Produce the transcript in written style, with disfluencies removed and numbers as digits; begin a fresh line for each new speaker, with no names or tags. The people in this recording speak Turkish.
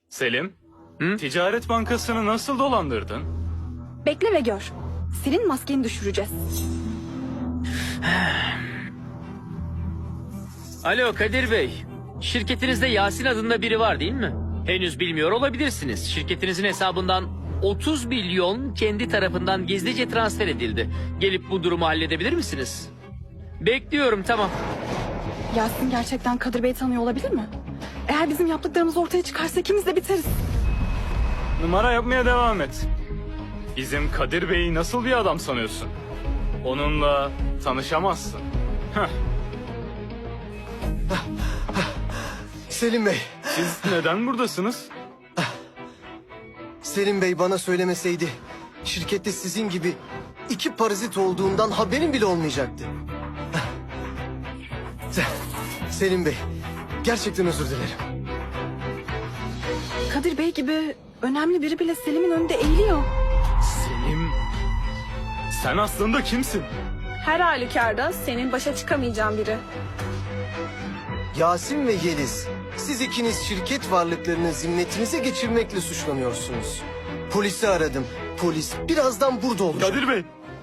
Selim,
Hı?
Ticaret Bankası'nı nasıl dolandırdın?
Bekle ve gör. Senin maskeni düşüreceğiz.
Alo Kadir Bey. Şirketinizde Yasin adında biri var değil mi? Henüz bilmiyor olabilirsiniz. Şirketinizin hesabından 30 milyon kendi tarafından gizlice transfer edildi. Gelip bu durumu halledebilir misiniz? Bekliyorum, tamam.
Yasin gerçekten Kadir Bey'i tanıyor olabilir mi? Eğer bizim yaptıklarımız ortaya çıkarsa ikimiz de biteriz.
Numara yapmaya devam et. Bizim Kadir Bey'i nasıl bir adam sanıyorsun? Onunla tanışamazsın. Heh,
Selim Bey,
siz neden buradasınız?
Selim Bey bana söylemeseydi şirkette sizin gibi iki parazit olduğundan haberim bile olmayacaktı. Selim Bey, gerçekten özür dilerim.
Kadir Bey gibi önemli biri bile Selim'in önünde eğiliyor.
Selim, sen aslında kimsin?
Her halükarda senin başa çıkamayacağın biri.
Yasin ve Yeliz, siz ikiniz şirket varlıklarını zimmetinize geçirmekle suçlanıyorsunuz. Polisi aradım. Polis birazdan burada olacak.
Kadir Bey,